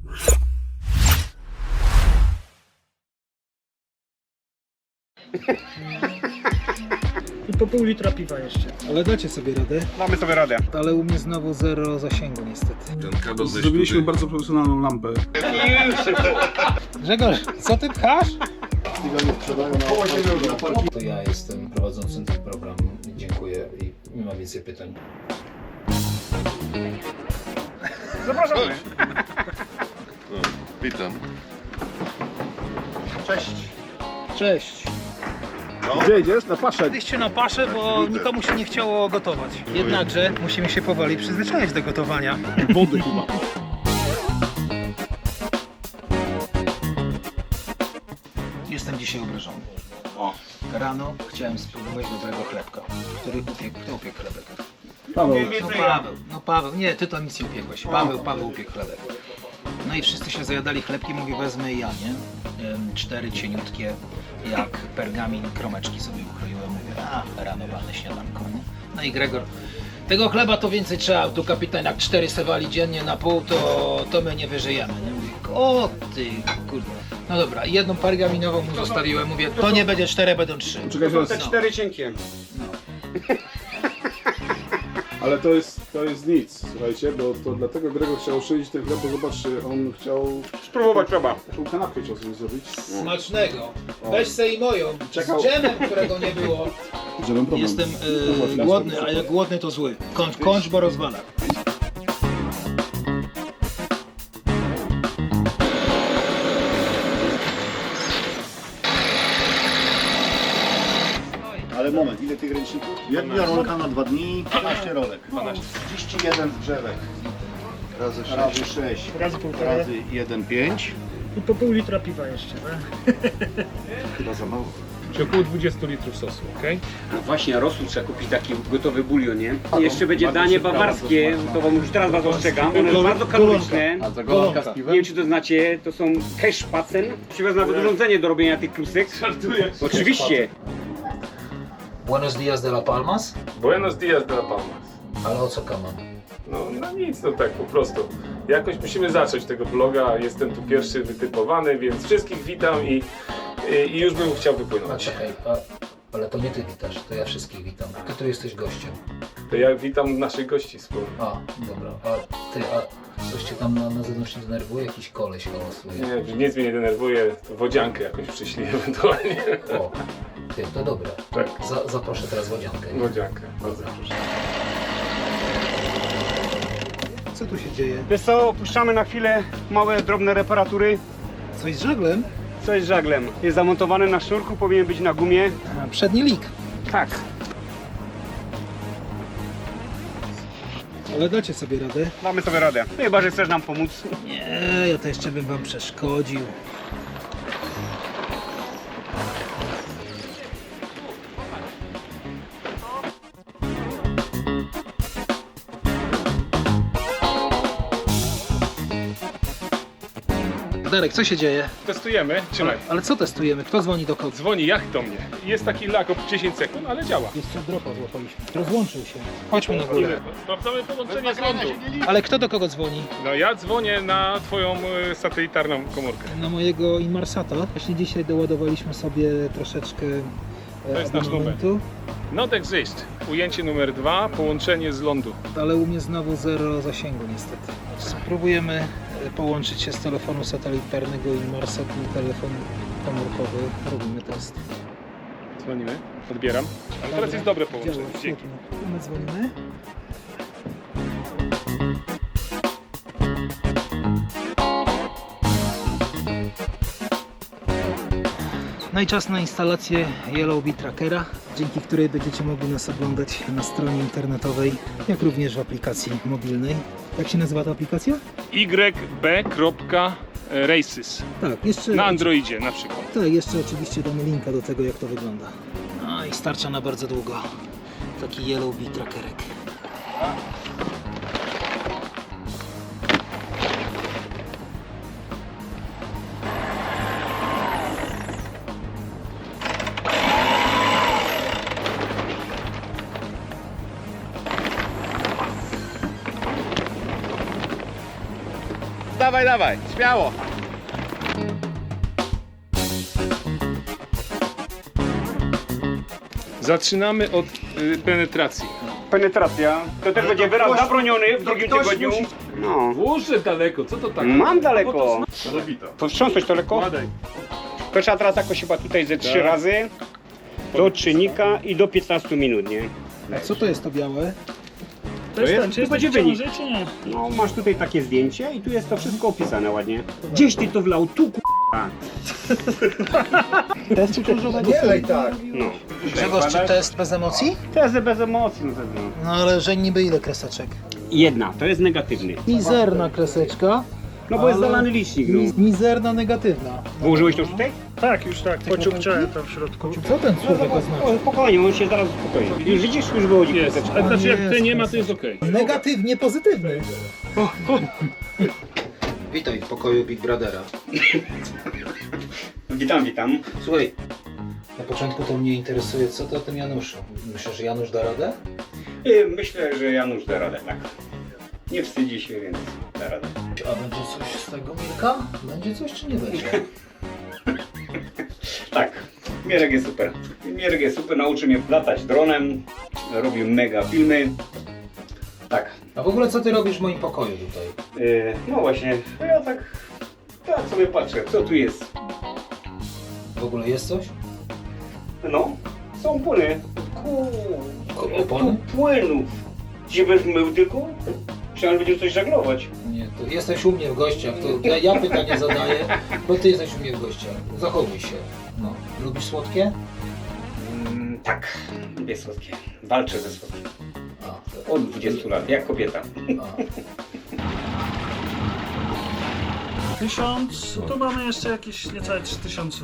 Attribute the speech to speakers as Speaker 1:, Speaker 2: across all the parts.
Speaker 1: I po pół litra piwa jeszcze. Ale dacie sobie radę.
Speaker 2: Damy sobie radę.
Speaker 1: Ale u mnie znowu zero zasięgu niestety.
Speaker 3: Zrobiliśmy bardzo profesjonalną lampę.
Speaker 1: Grzegorz, co ty pchasz?
Speaker 4: To ja jestem prowadzącym ten program. Dziękuję i nie mam więcej pytań.
Speaker 2: Zapraszamy.
Speaker 5: Witam.
Speaker 1: Cześć.
Speaker 3: Gdzie idziesz? Na paszę.
Speaker 1: Byliście na paszę, bo nikomu się nie chciało gotować. Jednakże musimy się powoli przyzwyczaić do gotowania.
Speaker 3: Wody chyba.
Speaker 4: Jestem dzisiaj obrażony. Rano chciałem spróbować dobrego chlebka. Kto upiekł chlebek?
Speaker 3: Paweł.
Speaker 4: No Paweł, nie, ty to nic nie upiekłeś. Paweł upiekł chlebek. No i wszyscy się zajadali chlebkiem, mówię wezmę i ja, nie? 4 cieniutkie, jak pergamin, kromeczki sobie ukroiłem. Mówię, rano walne śniadanko, nie? No i Gregor, tego chleba to więcej trzeba, tu kapitan jak 4 sewali dziennie na pół, to my nie wyżyjemy, nie? Mówię, o ty kurde. No dobra, jedną pergaminową mu zostawiłem, mówię, to nie będzie 4, będą 3.
Speaker 3: Czekaj, zaraz.
Speaker 2: Te 4 cienkie.
Speaker 3: Ale to jest nic, słuchajcie, bo to dlatego Gregor chciał szyć ten chleb, bo zobaczcie, on chciał
Speaker 2: Spróbować trzeba.
Speaker 3: taką kanapkę chciał sobie zrobić.
Speaker 4: Smacznego. Weź se i moją,
Speaker 3: Czekał.
Speaker 4: z dżemem, którego nie było.
Speaker 3: Żebym problem.
Speaker 4: Jestem
Speaker 3: No właśnie,
Speaker 4: głodny, a jak głodny to zły. Kończ, bo rozwala.
Speaker 6: Ale moment, ile tych ręczników? Jedna rolka na 2 dni, 12 rolek. 31 drzewek. Razy 6.
Speaker 1: Razy półtora.
Speaker 6: Razy 1, 5.
Speaker 1: I po pół litra piwa jeszcze, tak?
Speaker 6: Chyba za mało.
Speaker 7: Czyli około 20 litrów sosu, ok?
Speaker 2: A właśnie, rosół trzeba kupić taki gotowy bulion, nie? I jeszcze będzie danie bawarskie, to wam już teraz was ostrzegam. Ono jest bardzo kaloryczne.
Speaker 5: A za golonka z
Speaker 2: Nie
Speaker 5: piwem?
Speaker 2: wiem czy to znacie, to są Keszpacen. Przywez nawet urządzenie do robienia tych klusek.
Speaker 7: Żartuję.
Speaker 2: Oczywiście.
Speaker 4: Buenos dias de la Palmas.
Speaker 7: Buenos dias de la Palmas.
Speaker 4: Ale o co kaman?
Speaker 7: No nic, no tak po prostu. Jakoś musimy zacząć tego vloga, jestem tu pierwszy wytypowany, więc wszystkich witam i już bym chciał
Speaker 4: A
Speaker 7: wypłynąć.
Speaker 4: czekaj, ale to nie ty witasz, to ja wszystkich witam. Ty tu jesteś gościem.
Speaker 7: To ja witam naszych gości wspólnie.
Speaker 4: A, dobra, a coś cię tam na zewnątrz nie denerwuje? Jakiś koleś hałasuje.
Speaker 7: Nie, nic mnie nie denerwuje, to wodziankę jakąś przyszli ewentualnie.
Speaker 4: O, ty, to dobra.
Speaker 7: Tak.
Speaker 4: Zaproszę teraz wodziankę.
Speaker 7: Wodziankę, bardzo proszę.
Speaker 1: Co tu się dzieje?
Speaker 2: Wiesz co, opuszczamy na chwilę małe, drobne reparatury.
Speaker 1: Coś z żaglem?
Speaker 2: Coś z żaglem. Jest zamontowany na sznurku, powinien być na gumie.
Speaker 1: A, przedni lik.
Speaker 2: Tak.
Speaker 1: Ale dacie sobie radę.
Speaker 2: Damy sobie radę. Chyba, że chcesz nam pomóc.
Speaker 1: Nie, ja to jeszcze bym wam przeszkodził. Darek, co się dzieje?
Speaker 7: Testujemy, trzymaj.
Speaker 1: Ale co testujemy? Kto dzwoni do kogo?
Speaker 7: Dzwoni jak do mnie. Jest taki lag o 10 sekund, ale działa.
Speaker 1: Jeszcze dropa złapaliśmy. Rozłączył się. Chodźmy na górę.
Speaker 7: Sprawdzamy połączenie z lądu.
Speaker 1: Ale kto do kogo dzwoni?
Speaker 7: No ja dzwonię na twoją satelitarną komórkę.
Speaker 1: Na mojego Inmarsata. Właśnie dzisiaj doładowaliśmy sobie troszeczkę
Speaker 7: To jest nasz
Speaker 1: abonamentu,
Speaker 7: Not exist. Ujęcie numer 2, połączenie z lądu.
Speaker 1: ale u mnie znowu zero zasięgu niestety. Spróbujemy połączyć się z telefonu satelitarnego Inmarsat na telefon komórkowy. Robimy test.
Speaker 7: Dzwonimy, odbieram. Ale teraz jest dobre połączenie.
Speaker 1: Działa,
Speaker 7: Dzięki.
Speaker 1: świetnie. My dzwonimy. No i czas na instalację Yellow Bee Trackera, dzięki której będziecie mogli nas oglądać na stronie internetowej, jak również w aplikacji mobilnej. Jak się nazywa ta aplikacja?
Speaker 7: YB.races.
Speaker 1: Tak, jeszcze,
Speaker 7: Na Androidzie na przykład.
Speaker 1: tak, jeszcze oczywiście damy linka do tego, jak to wygląda. No i starcza na bardzo długo. Taki Yellow Bee Trackerek.
Speaker 2: dawaj, dawaj, śmiało.
Speaker 7: Zaczynamy od penetracji.
Speaker 2: Penetracja, to też będzie wyraz zabroniony w drugim tygodniu. No,
Speaker 7: Włożę daleko, co to tak?
Speaker 2: mam daleko.
Speaker 3: Zabita.
Speaker 2: Powstrząsnąć to lekko.
Speaker 7: Kładaj.
Speaker 2: To trzeba teraz jakoś chyba tutaj ze 3 razy do czynnika i do 15 minut, nie?
Speaker 1: Co to jest to białe?
Speaker 2: To jest, to będzie wynik. No, masz tutaj takie zdjęcie i tu jest to wszystko opisane ładnie. Gdzieś ty to wlał, tu k***a.
Speaker 1: Test uczuciowego?
Speaker 6: Nie, tak.
Speaker 2: No.
Speaker 1: Grzegorz, czy test bez emocji?
Speaker 2: Tezy bez emocji na pewno.
Speaker 1: No ale że niby ile kreseczek?
Speaker 2: Jedna, to jest negatywny.
Speaker 1: Mizerna kreseczka.
Speaker 2: No bo jest
Speaker 1: Ale-
Speaker 2: zalany licznik, no.
Speaker 1: Mizerna negatywna.
Speaker 2: Włożyłeś to już tutaj?
Speaker 5: Tak, już tak, pociągnąłem tam w środku.
Speaker 1: Co ten słówek oznacza?
Speaker 2: O, spokojnie, on się zaraz uspokoi. Już widzisz, już wychodzi
Speaker 7: Jest.
Speaker 2: kreseczka.
Speaker 7: A znaczy jak
Speaker 1: jest,
Speaker 7: ty nie ma, to jest okej.
Speaker 1: Negatywnie pozytywny.
Speaker 4: Witaj w pokoju Big Brothera.
Speaker 2: Witam, witam.
Speaker 4: Słuchaj, na początku to mnie interesuje, co to o tym Januszu. Myślisz, że Janusz da radę?
Speaker 2: Myślę, że Janusz da radę, tak. Nie wstydzi się, więc da radę.
Speaker 4: A będzie coś z tego, Mirka? Będzie coś czy nie będzie?
Speaker 2: Tak, Mierek jest super. Mierek jest super, nauczy mnie latać dronem, robił mega filmy. Tak,
Speaker 4: A w ogóle co ty robisz w moim pokoju tutaj?
Speaker 2: no właśnie, ja tak sobie patrzę, co tu jest.
Speaker 4: W ogóle jest coś?
Speaker 2: No, są płyny.
Speaker 4: Opony?
Speaker 2: Tu płynów. Dzisiaj będziesz mył tylko? Myślałem, że będziesz coś żaglować.
Speaker 4: Nie, to jesteś u mnie w gościach, to ja pytanie zadaję, bo ty jesteś u mnie w gościach. Zachowuj się. No. Lubisz słodkie?
Speaker 2: Tak, lubię słodkie. Walczę ze słodkiem.
Speaker 4: A,
Speaker 2: Od 20 lat, jak kobieta.
Speaker 4: a.
Speaker 5: 1000, tu mamy jeszcze jakieś niecałe 3000.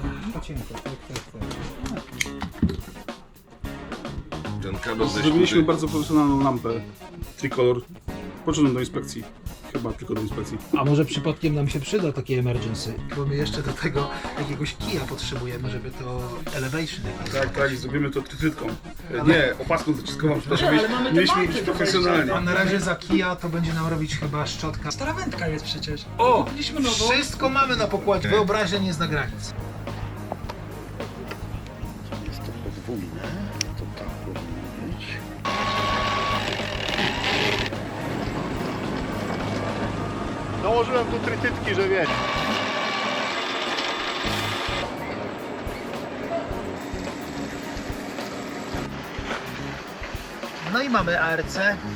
Speaker 3: Zrobiliśmy bardzo profesjonalną lampę Tricolor. Poszedłem do inspekcji. Chyba tylko do inspekcji.
Speaker 1: A może przypadkiem nam się przyda takie emergency? Bo my jeszcze do tego jakiegoś kija potrzebujemy, żeby to elevation jakieś.
Speaker 3: Tak, tak, i zrobimy to trytytką. Nie, opaską zaciskową, przepraszam. Mieliśmy iść profesjonalnie.
Speaker 1: A na razie za kija to będzie nam robić chyba szczotka.
Speaker 5: Stara wędka jest przecież.
Speaker 1: O!
Speaker 5: Kupiliśmy nową.
Speaker 1: Wszystko mamy na pokładzie. Wyobraźnia nie zna granic.
Speaker 6: Jest to podwójne, to tak powinno być. Dołożyłem tu trytytki, że wiecie.
Speaker 1: No i mamy ARC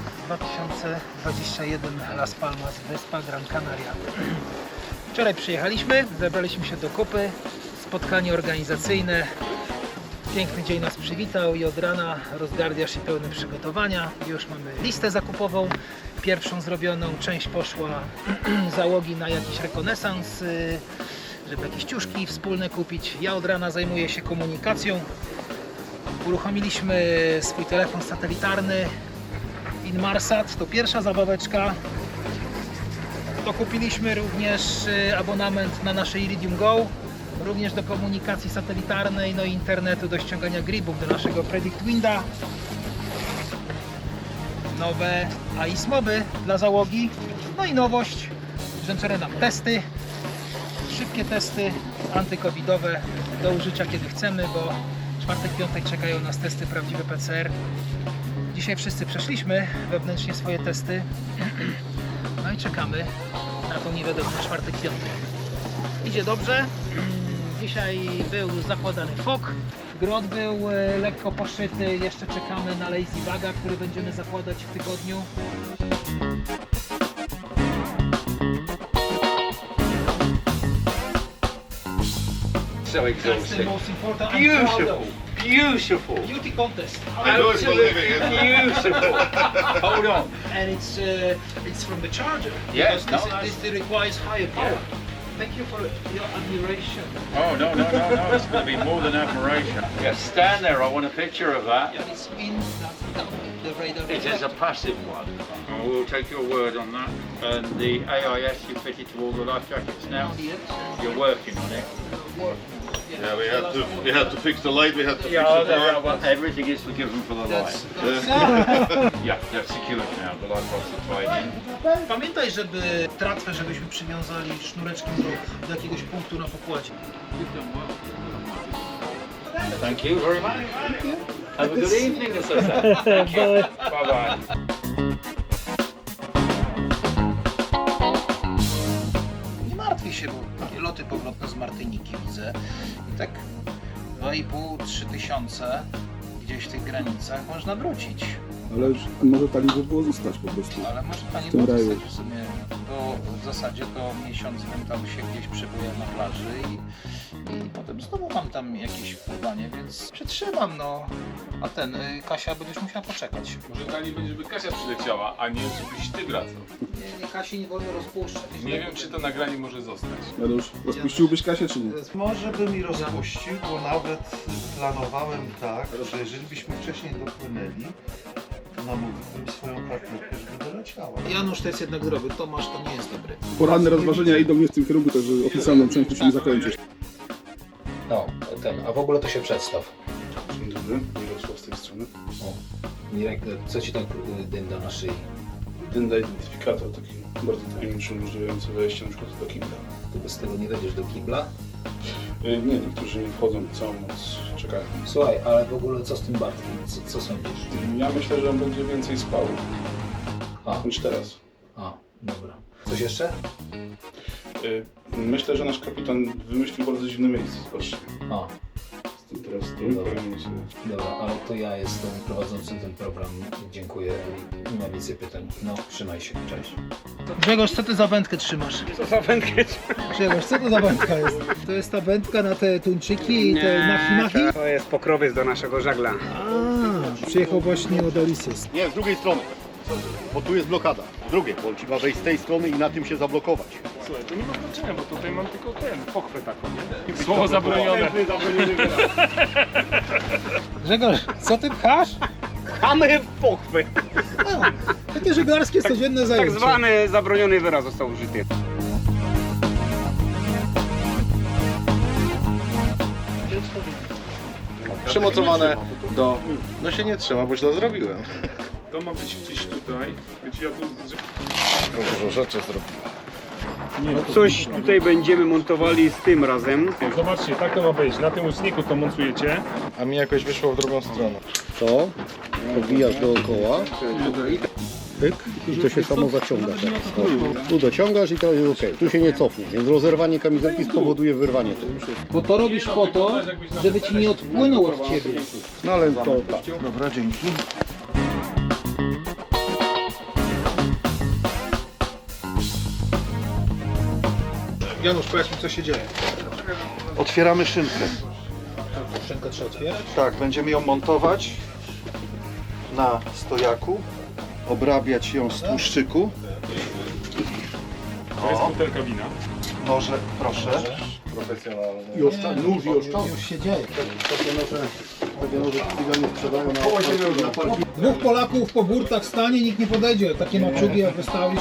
Speaker 1: 2021 Las Palmas, wyspa Gran Canaria. Wczoraj przyjechaliśmy, zebraliśmy się do kupy, spotkanie organizacyjne. Piękny dzień nas przywitał i od rana rozgardiasz i pełne przygotowania. Już mamy listę zakupową, pierwszą zrobioną, część poszła załogi na jakiś rekonesans, żeby jakieś ciuszki wspólne kupić. Ja od rana zajmuję się komunikacją. Uruchomiliśmy swój telefon satelitarny Inmarsat, to pierwsza zabaweczka. Dokupiliśmy również abonament na nasze Iridium Go, również do komunikacji satelitarnej, no i internetu do ściągania gribów do naszego Predict Winda. Nowe AIS moby dla załogi, no i nowość, wręczone nam testy, szybkie testy antykowidowe do użycia kiedy chcemy, bo czwartek, piątek czekają nas testy prawdziwe PCR. Dzisiaj wszyscy przeszliśmy wewnętrznie swoje testy. No i czekamy na tą niewiadomą czwartek, piątek. Idzie dobrze. Dzisiaj był zakładany fok. Grot był lekko poszyty. Jeszcze czekamy na Lazy Baga, który będziemy zakładać w tygodniu. That's the most important. I'm proud of.
Speaker 2: Beautiful.
Speaker 1: Beauty contest.
Speaker 2: Absolutely beautiful.
Speaker 8: Hold on.
Speaker 1: And it's from the charger.
Speaker 8: Yeah,
Speaker 1: because
Speaker 8: no,
Speaker 1: this requires higher power. Thank you for your admiration.
Speaker 8: Oh, no, no, no, no. It's going to be more than admiration. Yeah, stand there. I want a picture of that.
Speaker 1: And it's in that The radar.
Speaker 8: It is a passive one. And we'll take your word on that. And the AIS you fitted to all the life jackets now. You're working on it.
Speaker 6: Yeah, we had to fix the light, we had to
Speaker 8: Everything is forgiven for the light. Yeah, they're secured now. The light box are tied in.
Speaker 1: Pamiętaj, żeby tratwę, żebyśmy przywiązali sznureczkiem do jakiegoś punktu na pokładzie.
Speaker 8: Thank you very much. Have a good evening, Associate. Thank you. Bye bye.
Speaker 1: Nie martwię się, bo takie loty powrotne z Martyniki widzę. I tak 2,5–3 tysiące gdzieś w tych granicach można wrócić.
Speaker 3: Ale już może tak by było zostać po prostu.
Speaker 1: Ale może pani
Speaker 3: W tym
Speaker 1: było
Speaker 3: raju.
Speaker 1: zostać w sumie, bo w zasadzie to miesiąc bym tam się gdzieś przebyłem na plaży i potem znowu mam tam jakieś pływanie, więc przetrzymam, no. A Kasia będziesz musiała poczekać.
Speaker 7: Może dla niej będzie, żeby Kasia przyleciała, a nie żebyś ty wracał.
Speaker 1: Nie, Kasi nie wolno rozpuszczać.
Speaker 7: Nie wiem, czy to nagranie może zostać.
Speaker 3: Janusz, rozpuściłbyś Kasię czy nie?
Speaker 9: Może bym i rozpuścił, bo nawet planowałem tak, że jeżeli byśmy wcześniej dopłynęli, namówiłbym swoją partnerkę, żeby doleciała.
Speaker 1: Janusz to jest jednak zdrowy, Tomasz to nie jest dobry.
Speaker 3: Poranne rozważenia idą nie w tym kierunku, także oficjalną część musimy zakończyć.
Speaker 4: No, a w ogóle to się przedstaw.
Speaker 3: Dzień dobry, Mirosław z tej strony.
Speaker 4: O, Mirek, co ci tak dynda na szyi?
Speaker 3: Dynda identyfikator, taki bardzo tajemniczy, umożliwiający wejście na przykład do kibla.
Speaker 4: Ty bez tego nie wejdziesz do kibla?
Speaker 3: Nie, niektórzy nie wchodzą, całą noc czekają.
Speaker 4: Słuchaj, ale w ogóle co z tym Bartkiem? Co sądzisz?
Speaker 3: Ja myślę, że on będzie więcej spał
Speaker 4: A,
Speaker 3: niż teraz.
Speaker 4: dobra. Coś jeszcze?
Speaker 3: Myślę, że nasz kapitan wymyślił bardzo dziwne miejsce, zobaczcie.
Speaker 4: A,
Speaker 3: Jestem teraz
Speaker 4: Dobra.
Speaker 3: powiem sobie.
Speaker 4: dobra, ale to ja jestem prowadzącym ten program. Dziękuję. Nie mam więcej pytań. No, trzymaj się. Cześć.
Speaker 1: Grzegorz, co ty za wędkę trzymasz?
Speaker 2: Co za wędkę?
Speaker 1: Grzegorz, co to za wędka jest? To jest ta wędka na te tuńczyki i te machi-machi?
Speaker 2: To jest pokrowiec do naszego żagla.
Speaker 1: A, przyjechał właśnie od Olisys.
Speaker 6: Nie, z drugiej strony. Bo tu jest blokada. Z drugiej, bo trzeba wejść z tej strony i na tym się zablokować.
Speaker 7: Słuchaj, to nie ma znaczenia, bo tutaj mam tylko pochwę taką, nie? Słowo zabronione.
Speaker 1: Grzegorz, co ty pchasz?
Speaker 2: Chamy pochwy.
Speaker 1: Takie żeglarskie codzienne
Speaker 2: Tak
Speaker 1: zajęcie.
Speaker 2: zwany zabroniony wyraz został użyty.
Speaker 9: Przymocowane do... No się nie trzyma, bo źle zrobiłem.
Speaker 7: To ma być gdzieś tutaj. Wiecie, ja tu...
Speaker 9: Dużo rzeczy zrobiłem.
Speaker 2: Coś tutaj będziemy montowali z tym razem.
Speaker 7: Zobaczcie, tak to ma być. Na tym łuczniku to montujecie.
Speaker 9: A mi jakoś wyszło w drugą stronę. To podbijasz dookoła. Pyk, i to się samo zaciąga teraz. O, tu dociągasz i teraz jest ok. Tu się nie cofnie, więc rozerwanie kamizelki spowoduje wyrwanie tego.
Speaker 1: Bo to robisz po to, żeby ci nie odpłynął od ciebie.
Speaker 9: No ale to tak. Dobra, dzięki.
Speaker 3: Janusz, powiedz mi, co się dzieje.
Speaker 9: Otwieramy szynkę.
Speaker 1: Szynkę trzeba otwierać?
Speaker 9: Tak, będziemy ją montować na stojaku, obrabiać ją z tłuszczyku.
Speaker 7: To jest butelka wina.
Speaker 9: Noże, proszę.
Speaker 3: I nóż i oszczędność.
Speaker 1: Już się dzieje.
Speaker 3: Takie noże chwilę nie sprzedają na parkingu.
Speaker 1: Dwóch Polaków po burtach stanie, nikt nie podejdzie. Takie maczugi jak wystawisz.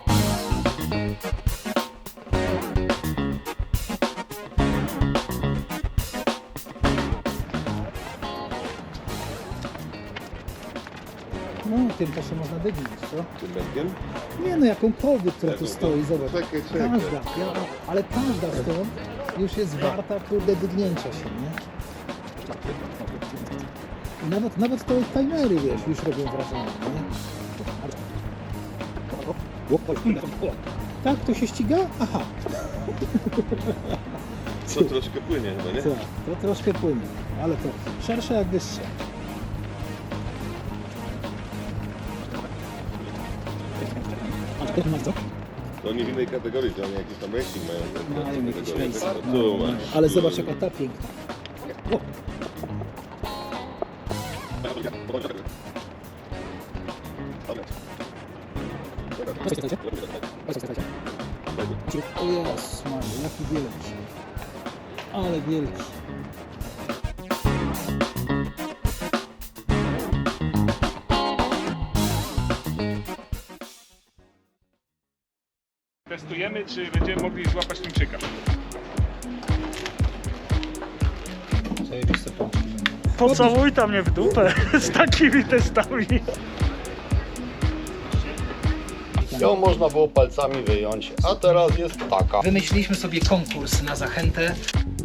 Speaker 1: No, tym to się można dygnić, co?
Speaker 3: Tym węgiem?
Speaker 1: Nie no, jakąkolwiek, która tu stoi, zobacz.
Speaker 3: Czekaj.
Speaker 1: Każda, ale każda stąd już jest warta, kurde, dygnięcia się, nie? I nawet te timery, wiesz, już robią wrażenie, nie? Tak, to się ściga? Aha.
Speaker 3: To troszkę płynie chyba, nie?
Speaker 1: Tak, to troszkę płynie, ale to szersze jak wyższe.
Speaker 3: To oni w innej kategorii, to oni jakieś tam ranking mają.
Speaker 1: Mają jakiś ranking.
Speaker 3: Tu masz.
Speaker 1: Ale zobacz jaka ta piękna. O, o jest, Mario, jaki wielki. Ale wielki.
Speaker 7: Testujemy, czy będziemy mogli złapać tuńczyka.
Speaker 4: Zajebiste pączki.
Speaker 5: Pocałuj tam mnie w dupę z takimi testami.
Speaker 9: Ją można było palcami wyjąć, a teraz jest taka.
Speaker 4: Wymyśliliśmy sobie konkurs na zachętę.